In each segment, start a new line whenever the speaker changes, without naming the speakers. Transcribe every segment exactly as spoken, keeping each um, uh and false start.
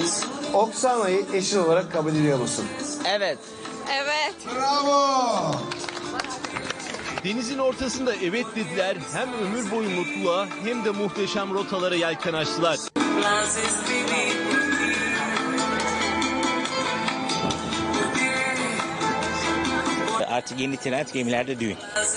Oksana'yı eşin olarak kabul ediyor musun?
Evet.
Evet.
Bravo!
Denizin ortasında evet dediler, hem ömür boyu mutluluğa hem de muhteşem rotalara yelken açtılar.
Artık yeni trend gemilerde düğün.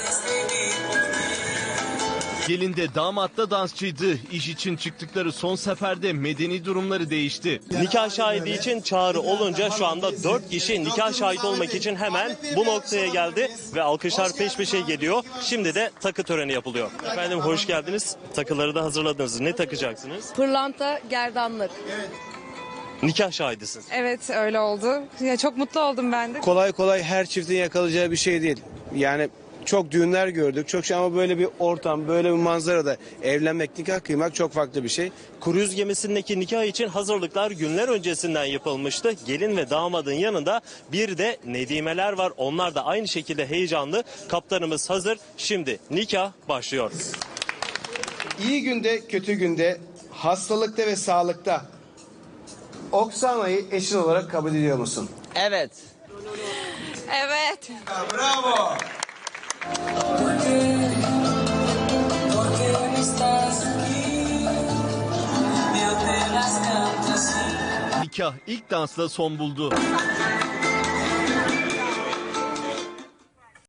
Gelin de damat da dansçıydı. İş için çıktıkları son seferde medeni durumları değişti.
Nikah şahidi için çağrı olunca şu anda dört kişi nikah şahit olmak için hemen bu noktaya geldi ve alkışlar peş peşe geliyor. Şimdi de takı töreni yapılıyor. Efendim hoş geldiniz. Takıları da hazırladınız. Ne takacaksınız?
Pırlanta, gerdanlık.
Nikah şahidisiniz.
Evet, öyle oldu. Ya çok mutlu oldum ben de.
Kolay kolay her çiftin yakalayacağı bir şey değil. Yani çok düğünler gördük, çok şey ama böyle bir ortam, böyle bir manzarada evlenmek, nikah kıymak çok farklı bir şey.
Kruz gemisindeki nikah için hazırlıklar günler öncesinden yapılmıştı. Gelin ve damadın yanında bir de nedimeler var. Onlar da aynı şekilde heyecanlı. Kaptanımız hazır. Şimdi nikah başlıyor.
İyi günde, kötü günde, hastalıkta ve sağlıkta Oksana'yı eşin olarak kabul ediyor musun?
Evet.
Evet.
Bravo!
Nikah ilk dansla son buldu.